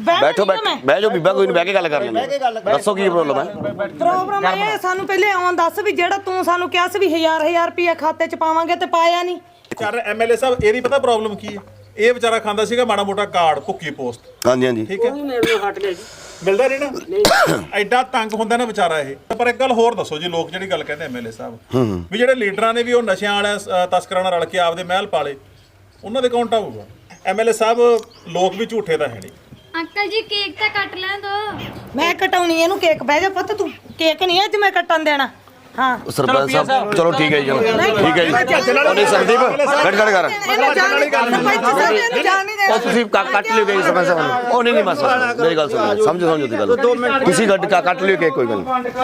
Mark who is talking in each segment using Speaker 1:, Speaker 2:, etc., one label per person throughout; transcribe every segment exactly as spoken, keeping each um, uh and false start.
Speaker 1: ਬੈਠੋ ਬਹਿ ਜਾਓ ਬੀਬਾ ਕੋਈ ਨਹੀਂ ਬਹਿ ਕੇ ਗੱਲ ਕਰ ਲੈਂਦੇ ਦੱਸੋ ਕੀ ਪ੍ਰੋਬਲਮ ਹੈ
Speaker 2: ਪ੍ਰੋਬਲਮ ਇਹ ਸਾਨੂੰ ਪਹਿਲੇ ਆਉਣ ਦੱਸ ਵੀ ਜਿਹੜਾ ਤੂੰ ਸਾਨੂੰ ਕਿਹਾ ਸੀ ਵੀ ਹਜ਼ਾਰ ਹਜ਼ਾਰ ਰੁਪਏ ਖਾਤੇ 'ਚ ਪਾਵਾਂਗੇ ਤੇ ਪਾਇਆ ਨਹੀਂ
Speaker 3: ਯਾਰ ਐਮਐਲਏ ਸਾਹਿਬ ਇਹਦੀ ਪਤਾ ਪ੍ਰੋਬਲਮ ਕੀ ਹੈ ਇਹ ਵਿਚਾਰਾ ਖਾਂਦਾ ਸੀਗਾ ਮਾੜਾ ਮੋਟਾ ਕਾਰਡ ਭੁੱਕੀ ਪੋਸਟ
Speaker 1: ਹਾਂਜੀ ਹਾਂਜੀ
Speaker 3: ਠੀਕ ਹੈ ਮਿਲਦਾ ਨਹੀਂ ਨਾ ਐਡਾ ਤੰਗ ਹੁੰਦਾ ਨਾ ਵਿਚਾਰਾ ਇਹ ਪਰ ਇੱਕ ਗੱਲ ਹੋਰ ਦੱਸੋ ਜੀ ਲੋਕ ਜਿਹੜੀ ਗੱਲ ਕਹਿੰਦੇ ਐਮਐਲਏ ਸਾਹਿਬ ਵੀ ਜਿਹੜੇ ਲੀਡਰਾਂ ਨੇ ਵੀ ਉਹ ਨਸ਼ਿਆਂ ਵਾਲਿਆਂ ਤਸਕਰਾਂ ਨਾਲ ਰਲ ਕੇ ਆਪਦੇ ਮਹਿਲ ਪਾਲੇ ਉਹਨਾਂ ਦੇ ਕੌਣ ਢਾਊਗਾ ਐਮਐਲਏ ਸਾਹਿਬ ਲੋਕ ਵੀ ਝੂਠੇ ਤਾਂ ਹੈ ਨਹੀਂ
Speaker 4: ਅੰਕਲ ਜੀ ਕੇਕ ਤਾਂ ਕੱਟ ਲੈਣ ਦੋ
Speaker 2: ਮੈਂ ਕਟਾਉਣੀ ਇਹਨੂੰ ਕੇਕ ਬਹਿ ਜਾ ਪੁੱਤ ਤੂੰ ਕੇਕ ਨਹੀਂ ਅੱਜ ਮੈਂ ਕੱਟਣ ਦੇਣਾ ਹਾਂ
Speaker 1: ਸਰਪੰਚ ਸਾਹਿਬ ਚਲੋ ਠੀਕ ਹੈ ਜੀ ਚਲੋ ਠੀਕ ਹੈ ਜੀ ਉਹਨੇ ਸੰਦੀਪ ਕੱਟ ਕੱਟ ਕਰ ਉਹ ਤੁਸੀਂ ਕੱਟ ਲਿਓ ਕੇਕ ਸਰਪੰਚ ਸਾਹਿਬ ਉਹ ਨਹੀਂ ਨਹੀਂ ਬਸ ਮੇਰੀ ਗੱਲ ਸੁਣੋ ਸਮਝੋ ਸਮਝੋ ਦੀ ਗੱਲ ਤੁਸੀਂ ਕੱਟ ਕੱਟ ਲਿਓ ਕੇਕ ਕੋਈ ਗੱਲ ਨਹੀਂ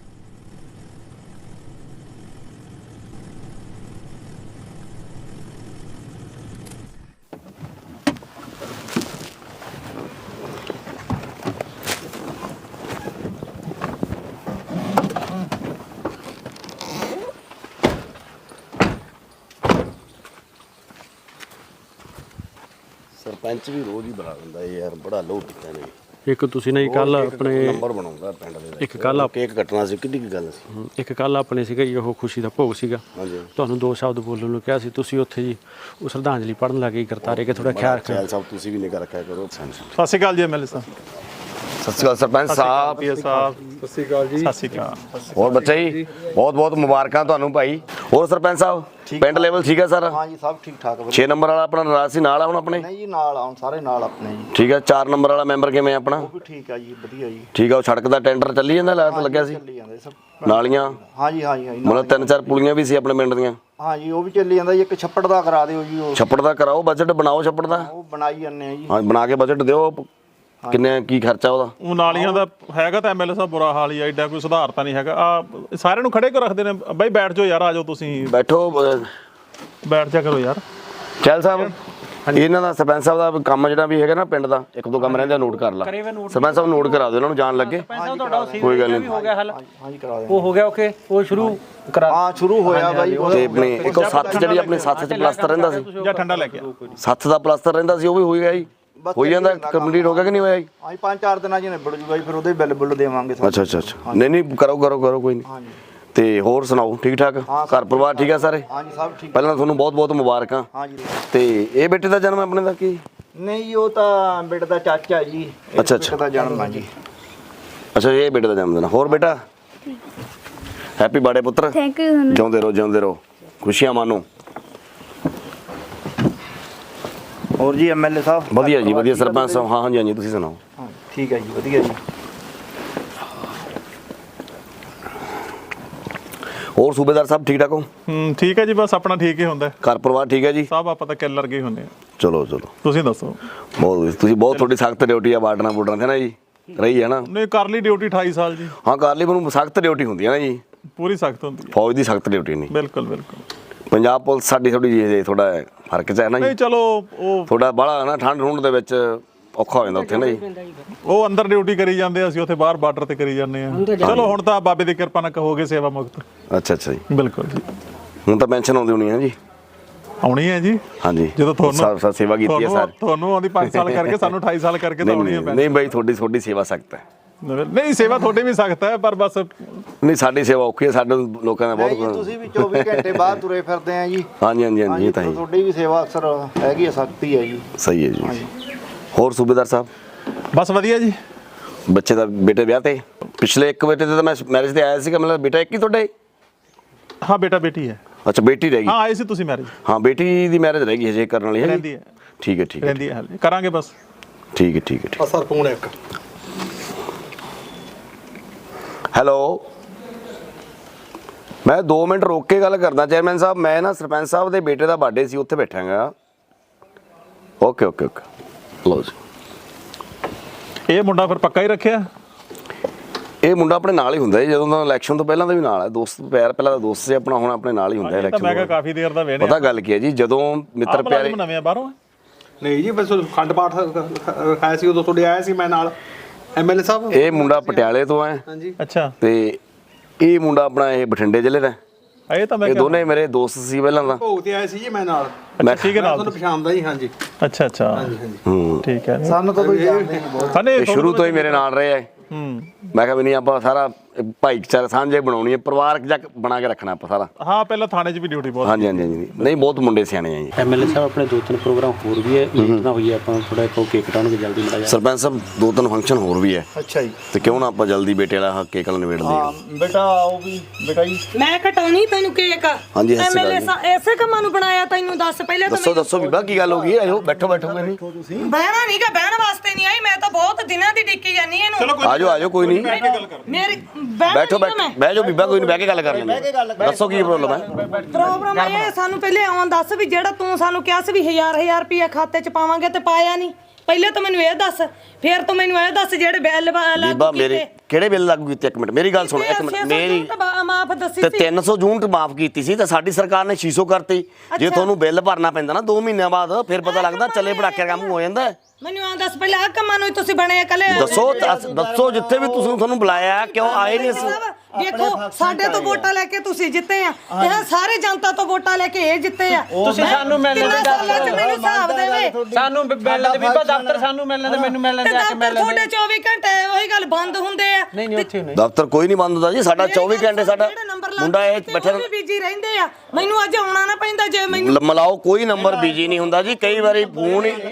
Speaker 1: ਸਰਪੰਚ ਵੀ ਰੋਜ਼ ਹੀ ਬਣਾ ਦਿੰਦਾ ਯਾਰ ਬੜਾ ਲੋਹ ਕੀਤਾ ਨੇ
Speaker 5: ਇੱਕ ਤੁਸੀਂ ਨਾ ਕੱਲ ਆਪਣੇ
Speaker 1: ਨੰਬਰ ਬਣਾਉਂਦਾ ਪਿੰਡ ਦੇ
Speaker 5: ਇੱਕ ਕੱਲ
Speaker 1: ਕੇਕ ਕੱਟਣਾ ਸੀ ਕਿੰਨੀ ਕੀ ਗੱਲ ਸੀ
Speaker 5: ਇੱਕ ਕੱਲ ਆਪਣੇ ਸੀਗਾ ਜੀ ਉਹ ਖੁਸ਼ੀ ਦਾ ਭੋਗ ਸੀਗਾ ਤੁਹਾਨੂੰ ਦੋ ਸ਼ਬਦ ਬੋਲਣ ਨੂੰ ਕਿਹਾ ਸੀ ਤੁਸੀਂ ਉੱਥੇ ਜੀ ਉਹ ਸ਼ਰਧਾਂਜਲੀ ਪੜ੍ਹਨ ਲੱਗੇ ਕਰਤਾਰੇ ਕਿ ਥੋੜਾ ਖਿਆਲ ਰੱਖਿਆ
Speaker 1: ਸਾਹਿਬ ਤੁਸੀਂ ਵੀ ਨਿਗਾ ਰੱਖਿਆ ਕਰੋ
Speaker 3: ਸਤਿ ਸ਼੍ਰੀ ਅਕਾਲ ਜੀ ਐਮਐਲਏ ਸਾਹਿਬ
Speaker 1: ਸਤਿ ਸ਼੍ਰੀ ਅਕਾਲ ਸਰਪੰਚ ਸਾਹਿਬ
Speaker 3: ਸਾਹਿਬ ਸਤਿ ਸ਼੍ਰੀ ਅਕਾਲ ਜੀ ਸਤਿ ਸ਼੍ਰੀ ਅਕਾਲ
Speaker 1: ਹੋਰ ਬੱਚਾ ਜੀ ਬਹੁਤ ਬਹੁਤ ਮੁਬਾਰਕਾਂ ਤੁਹਾਨੂੰ ਭਾਈ ਹੋਰ ਸਰਪੰਚ ਸਾਹਿਬ ਪਿੰਡ ਲੈਵਲ ਠੀਕ ਹੈ ਸਰ
Speaker 6: ਹਾਂ ਜੀ ਸਭ ਠੀਕ ਠਾਕ
Speaker 1: ਛੇ ਨੰਬਰ ਵਾਲਾ ਆਪਣਾ ਨਰਾਜ ਸੀ ਨਾਲ ਆ ਹੁਣ ਆਪਣੇ
Speaker 6: ਨਹੀਂ ਜੀ ਨਾਲ ਆਉਣ ਸਾਰੇ ਨਾਲ ਆਪਣੇ ਜੀ
Speaker 1: ਠੀਕ ਹੈ ਚਾਰ ਨੰਬਰ ਵਾਲਾ ਮੈਂਬਰ ਕਿਵੇਂ ਆਪਣਾ
Speaker 6: ਉਹ ਵੀ ਠੀਕ ਆ ਜੀ ਵਧੀਆ ਜੀ
Speaker 1: ਠੀਕ ਆ ਉਹ ਸੜਕ ਦਾ ਟੈਂਡਰ ਚੱਲੀ ਜਾਂਦਾ ਲਾਟ ਲੱਗਿਆ ਸੀ
Speaker 6: ਚੱਲੀ ਜਾਂਦੇ ਸਭ
Speaker 1: ਨਾਲੀਆਂ
Speaker 6: ਹਾਂ ਜੀ ਹਾਂ ਜੀ
Speaker 1: ਮਤਲਬ ਤਿੰਨ ਚਾਰ ਪੁਲੀਆਂ ਵੀ ਸੀ ਆਪਣੇ ਪਿੰਡ ਦੀਆਂ
Speaker 6: ਹਾਂ ਜੀ ਉਹ ਵੀ ਚੱਲੀ ਜਾਂਦਾ ਜੀ ਇੱਕ ਛੱਪੜ ਦਾ ਕਰਾ ਦਿਓ ਜੀ ਉਹ
Speaker 1: ਛੱਪੜ ਦਾ ਕਰਾਓ ਬਜਟ ਬਣਾਓ ਛੱਪੜ ਦਾ
Speaker 6: ਉਹ ਬਣਾਈ ਜਾਂਦੇ ਆ ਜੀ
Speaker 1: ਹਾਂ ਬਣਾ ਕੇ ਬਜਟ ਦਿਓ ਕਿੰਨੇ ਕੀ ਖਰਚਾ ਉਹਦਾ
Speaker 3: ਉਹ ਨਾਲੀਆਂ ਦਾ ਹੈਗਾ ਤਾਂ ਐਮਐਲਏ ਸਾਹਿਬ ਬੁਰਾ ਹਾਲ ਹੀ ਆ ਐਡਾ ਕੋਈ ਸੁਧਾਰ ਤਾਂ ਨਹੀਂ ਹੈਗਾ ਆ ਸਾਰਿਆਂ ਨੂੰ ਖੜੇ ਕਰ ਰੱਖਦੇ ਨੇ ਬਾਈ ਬੈਠ ਜਾਓ ਯਾਰ ਆ ਜਾਓ ਤੁਸੀਂ
Speaker 1: ਬੈਠੋ
Speaker 3: ਬੈਠ ਜਾ ਕਰੋ ਯਾਰ
Speaker 1: ਚੈਲ ਸਾਹਿਬ ਇਹਨਾਂ ਦਾ ਸਰਪੰਚ ਸਾਹਿਬ ਦਾ ਕੰਮ ਜਿਹੜਾ ਵੀ ਹੈਗਾ ਨਾ ਪਿੰਡ ਦਾ ਇੱਕ ਦੋ ਕੰਮ ਰਹਿੰਦੇ ਨੋਟ ਕਰ ਲਾ ਸਰਪੰਚ ਸਾਹਿਬ ਨੋਟ ਕਰਾ ਦਿਓ ਇਹਨਾਂ ਨੂੰ ਜਾਣ ਲੱਗੇ ਕੋਈ ਗੱਲ ਨਹੀਂ
Speaker 6: ਹਾਂ ਜੀ ਕਰਾ ਦਿਓ
Speaker 5: ਉਹ ਹੋ ਗਿਆ ਓਕੇ ਉਹ ਸ਼ੁਰੂ ਕਰਾ
Speaker 6: ਹਾਂ ਸ਼ੁਰੂ ਹੋਇਆ ਬਾਈ
Speaker 1: ਤੇ ਆਪਣੇ ਇੱਕ ਉਹ ਸੱਤ ਜਿਹੜੀ ਆਪਣੇ ਸੱਤ ਚ ਪਲਸਤਰ ਰਹਿੰਦਾ ਸੀ
Speaker 3: ਜਾਂ ਠੰਡਾ ਲੈ ਕੇ ਆ
Speaker 1: ਸੱਤ ਦਾ ਪਲਸਤਰ ਰਹਿੰਦਾ ਸੀ ਉਹ ਵੀ ਹੋ ਗਿਆ ਜੀ ਹੋ ਜਾਂਦਾ ਕੰਪਲੀਟ ਹੋ ਗਿਆ ਕਿ ਨਹੀਂ ਹੋਇਆ ਜੀ
Speaker 6: ਹਾਂ ਜੀ ਪੰਜ ਚਾਰ ਦਿਨਾਂ ਚ ਨਿਬੜ ਜੂਗਾ ਜੀ ਫਿਰ ਉਹਦੇ ਬਿੱਲ ਬੁੱਲ ਦੇਵਾਂਗੇ
Speaker 1: ਅੱਛਾ ਅੱਛਾ ਅੱਛਾ ਨਹੀਂ ਨਹੀਂ ਕਰੋ ਕਰੋ ਕਰੋ ਕੋਈ ਨਹੀਂ ਤੇ ਹੋਰ ਸੁਣਾਓ ਠੀਕ ਠਾਕ ਘਰ ਪਰਿਵਾਰ ਠੀਕ ਆ ਸਾਰੇ
Speaker 6: ਹਾਂ ਜੀ ਸਭ ਠੀਕ
Speaker 1: ਪਹਿਲਾਂ ਤੁਹਾਨੂੰ ਬਹੁਤ ਬਹੁਤ ਮੁਬਾਰਕਾਂ
Speaker 6: ਹਾਂ ਜੀ
Speaker 1: ਤੇ ਇਹ ਬੇਟੇ ਦਾ ਜਨਮ ਆਪਣੇ ਦਾ ਕੀ
Speaker 6: ਨਹੀਂ ਜੀ ਉਹ ਤਾਂ ਬੇਟੇ ਦਾ ਚਾਚਾ ਜੀ
Speaker 1: ਅੱਛਾ ਅੱਛਾ
Speaker 6: ਦਾ ਜਨਮ ਆ ਜੀ
Speaker 1: ਅੱਛਾ ਇਹ ਬੇਟੇ ਦਾ ਜਨਮ ਦਿਨ ਹੋਰ ਬੇਟਾ ਹੈਪੀ ਬਰਥਡੇ ਪੁੱਤਰ
Speaker 4: ਥੈਂਕ ਯੂ
Speaker 1: ਜਿਉਂਦੇ ਰਹੋ ਜਿਉਂਦੇ ਰਹੋ ਖੁਸ਼ੀਆਂ ਮਾਣੋ
Speaker 6: ਹੋਰ ਜੀ ਐਮਐਲਏ ਸਾਹਿਬ
Speaker 1: ਵਧੀਆ ਜੀ ਵਧੀਆ ਸਰਪੰਚ ਸਾਹਿਬ ਹਾਂ ਹਾਂਜੀ ਹਾਂਜੀ ਤੁਸੀਂ ਸੁਣਾਓ
Speaker 6: ਹਾਂ ਠੀਕ ਹੈ ਜੀ ਵਧੀਆ ਜੀ
Speaker 1: ਹੋਰ ਸੂਬੇਦਾਰ ਸਾਹਿਬ ਠੀਕ ਠਾਕ ਹੋ
Speaker 3: ਹੂੰ ਠੀਕ ਹੈ ਜੀ ਬਸ ਆਪਣਾ ਠੀਕ ਹੀ ਹੁੰਦਾ
Speaker 1: ਘਰ ਪਰਿਵਾਰ ਠੀਕ ਹੈ ਜੀ
Speaker 3: ਸਭ ਆਪਾਂ ਤਾਂ ਕਿੱਲਰ ਗਏ ਹੁੰਦੇ ਆ
Speaker 1: ਚਲੋ ਚਲੋ
Speaker 3: ਤੁਸੀਂ ਦੱਸੋ
Speaker 1: ਬਹੁਤ ਵਧੀਆ। ਤੁਸੀਂ ਬਹੁਤ ਤੁਹਾਡੀ ਸਖਤ ਡਿਊਟੀ ਆ ਬਾਰਡਰਾਂ ਬੋਰਡਰਾਂ ਤੇ ਨਾ ਜੀ ਰਹੀ ਹੈ ਨਾ
Speaker 3: ਨਹੀਂ ਕਰ ਲਈ ਡਿਊਟੀ ਅਠਾਈ ਸਾਲ ਜੀ
Speaker 1: ਹਾਂ ਕਰ ਲਈ ਮੈਨੂੰ ਸਖਤ ਡਿਊਟੀ ਹੁੰਦੀ ਹੈ ਨਾ ਜੀ
Speaker 3: ਪੂਰੀ ਸਖਤ ਹੁੰਦੀ ਹੈ
Speaker 1: ਫੌਜ ਦੀ ਸਖਤ ਡਿਊਟੀ ਨਹੀਂ
Speaker 3: ਬਿਲਕੁਲ ਬਿਲਕੁਲ
Speaker 1: ਪੰਜਾਬ ਪੁਲਿਸ ਸਾਡੀ ਥੋੜੀ ਜਿਹੀ ਥੋੜਾ ਫਰਕ ਚ ਹੈ ਨਾ
Speaker 3: ਨਹੀਂ
Speaker 1: ਜੀ
Speaker 3: ਚਲੋ ਉਹ
Speaker 1: ਥੋੜਾ ਬਾਹਲਾ ਨਾ ਠੰਡ ਠੁੰਡ ਦੇ ਵਿੱਚ ਔਖਾ ਹੋ ਜਾਂਦਾ ਉੱਥੇ ਨਾ ਜੀ
Speaker 3: ਉਹ ਅੰਦਰ ਡਿਊਟੀ ਕਰੀ ਜਾਂਦੇ ਅਸੀਂ ਉੱਥੇ ਬਾਹਰ ਬਾਰਡਰ ਤੇ ਕਰੀ ਜਾਂਦੇ ਆ ਚਲੋ ਹੁਣ ਤਾਂ ਬਾਬੇ ਦੀ ਕਿਰਪਾ ਨਾਲ ਕਹੋਗੇ ਸੇਵਾ ਮੁਕਤ
Speaker 1: ਅੱਛਾ ਅੱਛਾ ਜੀ
Speaker 3: ਬਿਲਕੁਲ ਜੀ
Speaker 1: ਹੁਣ ਤਾਂ ਪੈਨਸ਼ਨ ਆਉਂਦੀ ਹੋਣੀ ਹੈ ਜੀ
Speaker 3: ਆਉਣੀ ਹੈ ਜੀ
Speaker 1: ਹਾਂਜੀ
Speaker 3: ਜਦੋਂ ਤੁਹਾਨੂੰ
Speaker 1: ਸਾ ਸੇਵਾ ਕੀਤੀ ਹੈ ਸਰ
Speaker 3: ਤੁਹਾਨੂੰ ਆਉਂਦੀ ਪੰਜ ਸਾਲ ਕਰਕੇ ਸਾਨੂੰ ਅਠਾਈ ਸਾਲ ਕਰਕੇ ਤਾਂ ਆਉਣੀ ਹੈ
Speaker 1: ਨਹੀਂ ਬਾਈ ਤੁਹਾਡੀ ਤੁਹਾਡੀ ਸੇਵਾ ਸਖਤ ਹੈ
Speaker 3: ਨਹੀਂ ਸੇਵਾ ਤੁਹਾਡੀ ਵੀ ਸਖਤ ਹੈ ਪਰ ਬਸ
Speaker 1: ਨਹੀਂ ਸਾਡੀ ਸੇਵਾ ਔਖੀ ਹੈ ਸਾਡੇ ਲੋਕਾਂ ਦਾ
Speaker 6: ਜੀ
Speaker 1: ਬਹੁਤ
Speaker 6: ਤੁਸੀਂ ਵੀ ਚੌਵੀ ਘੰਟੇ ਬਾਹਰ ਤੁਰੇ ਫਿਰਦੇ ਆ ਜੀ
Speaker 1: ਹਾਂਜੀ ਹਾਂਜੀ ਹਾਂਜੀ ਇਹ ਤਾਂ ਹੈ
Speaker 6: ਤੁਹਾਡੀ ਵੀ ਸੇਵਾ ਅਕਸਰ ਹੈਗੀ ਹੈ ਸਖਤੀ ਹੈ ਜੀ
Speaker 1: ਸਹੀ ਹੈ ਜੀ ਹੋਰ ਸੂਬੇਦਾਰ ਸਾਹਿਬ
Speaker 3: ਬਸ ਵਧੀਆ ਜੀ
Speaker 1: ਬੱਚੇ ਦਾ ਬੇਟੇ ਵਿਆਹ ਤੇ ਪਿਛਲੇ ਇੱਕ ਬੇਟੇ ਤੇ ਤਾਂ ਮੈਂ ਮੈਰਿਜ ਤੇ ਆਇਆ ਸੀਗਾ ਮਤਲਬ ਬੇਟਾ ਇੱਕ ਹੀ ਤੁਹਾਡਾ ਹੈ
Speaker 3: ਹਾਂ ਬੇਟਾ ਬੇਟੀ ਹੈ
Speaker 1: ਅੱਛਾ ਬੇਟੀ ਰਹਿ ਗਈ
Speaker 3: ਹਾਂ ਆਏ ਸੀ ਤੁਸੀਂ ਮੈਰਿਜ
Speaker 1: ਹਾਂ ਬੇਟੀ ਦੀ ਮੈਰਿਜ ਰਹਿ ਗਈ ਹਜੇ ਕਰਨ ਵਾਲੀ ਹੈ
Speaker 3: ਰਹਿੰਦੀ ਹੈ
Speaker 1: ਠੀਕ ਹੈ ਠੀਕ ਹੈ
Speaker 3: ਰਹਿੰਦੀ ਹੈ ਹਾਲੇ ਕਰਾਂਗੇ ਬਸ
Speaker 1: ਠੀਕ ਹੈ ਠੀਕ ਹੈ ਠੀਕ
Speaker 6: ਸਰ ਫੋਨ ਇੱਕ
Speaker 1: ਹੈਲੋ ਮੈਂ ਦੋ ਮਿੰਟ ਰੋਕ ਕੇ ਗੱਲ ਕਰਦਾ ਚੇਅਰਮੈਨ ਸਾਹਿਬ ਮੈਂ ਨਾ ਸਰਪੰਚ ਸਾਹਿਬ ਦੇ ਬੇਟੇ ਦਾ ਬਰਥਡੇ ਸੀ ਉੱਥੇ ਬੈਠਾਂਗਾ ਓਕੇ ਓਕੇ ਓਕੇ ਲਓ ਜੀ
Speaker 3: ਇਹ ਮੁੰਡਾ ਫਿਰ ਪੱਕਾ ਹੀ ਰੱਖਿਆ
Speaker 1: ਇਹ ਮੁੰਡਾ ਆਪਣੇ ਨਾਲ ਹੀ ਹੁੰਦਾ ਹੈ ਜਦੋਂ ਦਾ ਇਲੈਕਸ਼ਨ ਤੋਂ ਪਹਿਲਾਂ ਦਾ ਵੀ ਨਾਲ ਹੈ ਦੋਸਤ ਪਿਆਰ ਪਹਿਲਾਂ ਦਾ ਦੋਸਤ ਸੀ ਆਪਣਾ ਹੁਣ ਆਪਣੇ ਨਾਲ ਹੀ ਹੁੰਦਾ
Speaker 3: ਇਹ ਤਾਂ ਮੈਂ ਕਿਹਾ ਕਾਫੀ ਦੇਰ ਦਾ ਵੇਣੇ
Speaker 1: ਪਤਾ ਗੱਲ ਕੀ ਹੈ ਜੀ ਜਦੋਂ ਮਿੱਤਰ ਪਿਆਰੇ
Speaker 3: ਨਵੇਂ ਬਾਹਰੋਂ
Speaker 7: ਨਹੀਂ ਜੀ ਬਸ ਖੰਡ ਪਾਠ ਰਖਾਇਆ ਸੀ ਉਦੋਂ ਤੁਹਾਡੇ ਆਇਆ ਸੀ ਮੈਂ ਨਾਲ ਐਮਐਲਏ ਸਾਹਿਬ
Speaker 1: ਇਹ ਮੁੰਡਾ ਪਟਿਆਲੇ ਤੋਂ ਹੈ
Speaker 7: ਹਾਂਜੀ
Speaker 3: ਅੱਛਾ
Speaker 1: ਤੇ ਇਹ ਮੁੰਡਾ ਆਪਣਾ ਇਹ ਬਠਿੰਡੇ ਜ਼ਿਲ੍ਹੇ ਦਾ
Speaker 3: ਇਹ ਤਾਂ ਮੈਂ
Speaker 1: ਇਹ ਦੋਨੇ ਮੇਰੇ ਦੋਸਤ ਸੀ ਪਹਿਲਾਂ ਤਾਂ।
Speaker 7: ਭੋਗ ਤੇ ਆਏ ਸੀ ਜੀ ਮੈਂ ਨਾਲ।
Speaker 1: ਮੈਂ
Speaker 3: ਠੀਕ ਹੈ
Speaker 7: ਮੈਂ
Speaker 3: ਨਾਲ
Speaker 7: ਤੁਹਾਨੂੰ ਪਛਾਣਦਾ ਜੀ। ਹਾਂਜੀ
Speaker 3: ਅੱਛਾ ਅੱਛਾ
Speaker 7: ਹਾਂਜੀ ਹਾਂਜੀ
Speaker 1: ਹੂੰ
Speaker 3: ਠੀਕ ਹੈ
Speaker 6: ਸਾਨੂੰ ਤਾਂ ਕੋਈ ਜਾਣਦਾ ਹੀ ਨਹੀਂ ਬਹੁਤ।
Speaker 3: ਹਨੇ
Speaker 1: ਇਹ ਸ਼ੁਰੂ ਤੋਂ ਹੀ ਮੇਰੇ ਨਾਲ ਰਹੇ ਆ।
Speaker 3: ਹੂੰ
Speaker 1: ਮੈਂ ਕਿਹਾ ਵੀ ਨਹੀਂ ਆਪਾਂ ਸਾਰਾ ਭਾਈਚਾਰਾ ਸਾਂਝੇ ਬਣਾਉਣੀ ਹੈ, ਪਰਿਵਾਰਕ ਜੱਕ ਬਣਾ ਕੇ ਰੱਖਣਾ ਆਪਾਂ ਸਾਰਾ।
Speaker 3: ਹਾਂ ਪਹਿਲਾਂ ਥਾਣੇ 'ਚ ਵੀ ਡਿਊਟੀ ਬਹੁਤ
Speaker 1: ਹਾਂਜੀ ਹਾਂਜੀ ਹਾਂਜੀ ਨਹੀਂ ਬਹੁਤ ਮੁੰਡੇ ਸਿਆਣੇ ਆ ਜੀ।
Speaker 5: ਐਮਐਲਏ ਸਾਹਿਬ ਆਪਣੇ ਦੋ ਤਿੰਨ ਪ੍ਰੋਗਰਾਮ ਹੋਰ ਵੀ ਹੈ, ਮੀਟ ਨਾ ਹੋਈ ਹੈ, ਆਪਾਂ ਥੋੜਾ ਕੋ ਕੇਕ ਕਟਾਉਣਗੇ ਜਲਦੀ ਮੜਾ ਜਾ।
Speaker 1: ਸਰਪੰਚ ਸਾਹਿਬ ਦੋ ਤਿੰਨ ਫੰਕਸ਼ਨ ਹੋਰ ਵੀ ਹੈ,
Speaker 6: ਅੱਛਾ ਜੀ।
Speaker 1: ਤੇ ਕਿਉਂ ਨਾ ਆਪਾਂ ਜਲਦੀ ਬੇਟੇ ਵਾਲਾ ਕੇਕ ਵਾਲਾ ਨਿਬੇੜ ਲਈਏ।
Speaker 6: ਹਾਂ ਬੇਟਾ ਉਹ ਵੀ ਬੇਟਾ ਜੀ
Speaker 2: ਮੈਂ ਕਟਾਉਣੀ ਤੈਨੂੰ ਕੇਕ।
Speaker 1: ਹਾਂਜੀ, ਸਤਿ ਸ਼੍ਰੀ ਅਕਾਲ
Speaker 2: ਐਮਐਲਏ ਐਸੇ ਕੰਮਾਂ ਨੂੰ ਬਣਾਇਆ ਤੈਨੂੰ ਦੱਸ ਪਹਿਲੇ ਤਾਂ
Speaker 1: ਦੱਸੋ ਦੱਸੋ ਬੀਬਾ ਕੀ ਗੱਲ ਹੋ ਗਈ? ਆਜੋ ਬੈਠੋ ਬੈਠੋ ਨਹੀਂ
Speaker 2: ਬਹਿਣਾ ਨਹੀਂ ਗਾ, ਬਹਿਣ ਵਾਸਤੇ ਨਹੀਂ ਆਈ ਮੈਂ ਤਾਂ ਬਹੁਤ ਦਿਨਾਂ ਦੀ ਡਿੱਕੀ ਜਾਨੀ ਇਹਨੂੰ।
Speaker 3: ਚਲੋ ਕੋਈ
Speaker 1: ਆਜੋ ਆਜੋ ਕੋਈ ਨਹੀਂ
Speaker 2: ਮੇਰੀ
Speaker 1: ਬੈਠੋ ਬੈਠੋ ਬਹਿ ਜਾਓ ਬੀਬਾ ਕੋਈ ਨਹੀਂ, ਬਹਿ ਕੇ ਗੱਲ ਕਰ ਲੈਂਦੇ। ਦੱਸੋ ਕੀ ਪ੍ਰੋਬਲਮ ਹੈ?
Speaker 2: ਪ੍ਰੋਗਰਾਮ ਇਹ ਸਾਨੂੰ ਪਹਿਲੇ ਆਉਣ ਦੱਸ ਵੀ ਜਿਹੜਾ ਤੂੰ ਸਾਨੂੰ ਕਿਹਾ ਸੀ ਵੀ ਹਜ਼ਾਰ ਹਜ਼ਾਰ ਰੁਪਇਆ ਖਾਤੇ 'ਚ ਪਾਵਾਂਗੇ ਤੇ ਪਾਇਆ ਨਹੀਂ। ਪਹਿਲੇ ਤਾਂ ਮੈਨੂੰ ਇਹ ਦੱਸ, ਫਿਰ ਤੂੰ ਮੈਨੂੰ ਇਹ ਦੱਸ ਜਿਹੜੇ ਬਿੱਲ
Speaker 1: ਬੀਬਾ ਮੇਰੇ ਕਿਹੜੇ ਬਿੱਲ ਲਾਗੂ ਕੀਤੇ? ਇੱਕ ਮਿੰਟ ਮੇਰੀ ਗੱਲ ਸੁਣ, ਇੱਕ ਮਿੰਟ ਮੇਰੀ
Speaker 2: ਮਾਫ ਦੱਸੀ
Speaker 1: ਤੇ
Speaker 2: ਸੀ।
Speaker 1: ਤਿੰਨ ਸੌ ਯੂਨਿਟ ਮਾਫ ਕੀਤੀ ਸੀ ਤੇ ਸਾਡੀ ਸਰਕਾਰ ਨੇ ਛੇ ਸੌ ਕਰਤੀ। ਜੇ ਤੁਹਾਨੂੰ ਬਿੱਲ ਭਰਨਾ ਪੈਂਦਾ ਨਾ ਦੋ ਮਹੀਨਿਆਂ ਬਾਅਦ, ਫਿਰ ਪਤਾ ਲੱਗਦਾ ਚੱਲੇ ਪੜਾਕੇ ਕੰਮ ਹੋ ਜਾਂਦਾ।
Speaker 2: ਮੈਨੂੰ ਆਂ ਦੱਸ ਪਹਿਲਾਂ ਆ ਕੰਮਾਂ ਨੂੰ ਹੀ ਤੁਸੀਂ ਬਣੇ ਕੱਲੇ।
Speaker 1: ਦੱਸੋ ਦੱਸੋ ਜਿੱਥੇ ਵੀ ਤੁਸੀਂ ਤੁਹਾਨੂੰ ਬੁਲਾਇਆ ਕਿਉਂ ਆਏ ਨਹੀਂ ਅਸੀਂ?
Speaker 2: ਦੇਖੋ ਸਾਡੇ ਤੋਂ ਵੋਟਾਂ ਲੈ ਕੇ ਤੁਸੀਂ ਜਿੱਤੇ ਆ, ਇਹ ਸਾਰੇ ਜਨਤਾ ਤੋਂ ਵੋਟਾਂ ਲੈ ਕੇ ਇਹ ਜਿੱਤੇ ਆ।
Speaker 8: ਤੁਸੀਂ ਸਾਨੂੰ ਮਿਲਣ ਦੇ
Speaker 2: ਦੱਸ ਮੈਨੂੰ ਹਿਸਾਬ ਦੇਵੇ।
Speaker 8: ਸਾਨੂੰ ਮਿਲਣ ਦੇ ਬੀਬਾ ਦਫ਼ਤਰ ਸਾਨੂੰ ਮਿਲਣ ਦੇ ਮੈਨੂੰ ਮਿਲਣ ਦੇ ਆ ਕੇ ਮਿਲਣ
Speaker 2: ਤੁਹਾਡੇ ਚੌਵੀ ਘੰਟੇ ਉਹੀ ਗੱਲ ਬੰਦ ਹੁੰਦੇ ਆ।
Speaker 8: ਨਹੀਂ ਨਹੀਂ ਉੱਥੇ ਨਹੀਂ
Speaker 1: ਦਫ਼ਤਰ ਕੋਈ ਨਹੀਂ ਬੰਦ ਹੁੰਦਾ ਜੀ, ਸਾਡਾ ਚੌਵੀ ਘੰਟੇ ਸਾਡਾ ਮੁੰਡਾ ਇਹ ਬੈਠਾ
Speaker 2: ਵੀ ਬਿਜੀ ਰਹਿੰਦੇ ਆ। ਮੈਨੂੰ ਅੱਜ ਆਉਣਾ ਨਾ ਪੈਂਦਾ ਜੇ ਮੈਨੂੰ
Speaker 1: ਮਲਾਓ ਕੋਈ ਨੰਬਰ ਬਿਜੀ ਨਹੀਂ ਹੁੰਦਾ ਜੀ। ਕਈ ਵਾਰੀ ਫੋਨ ਹੀ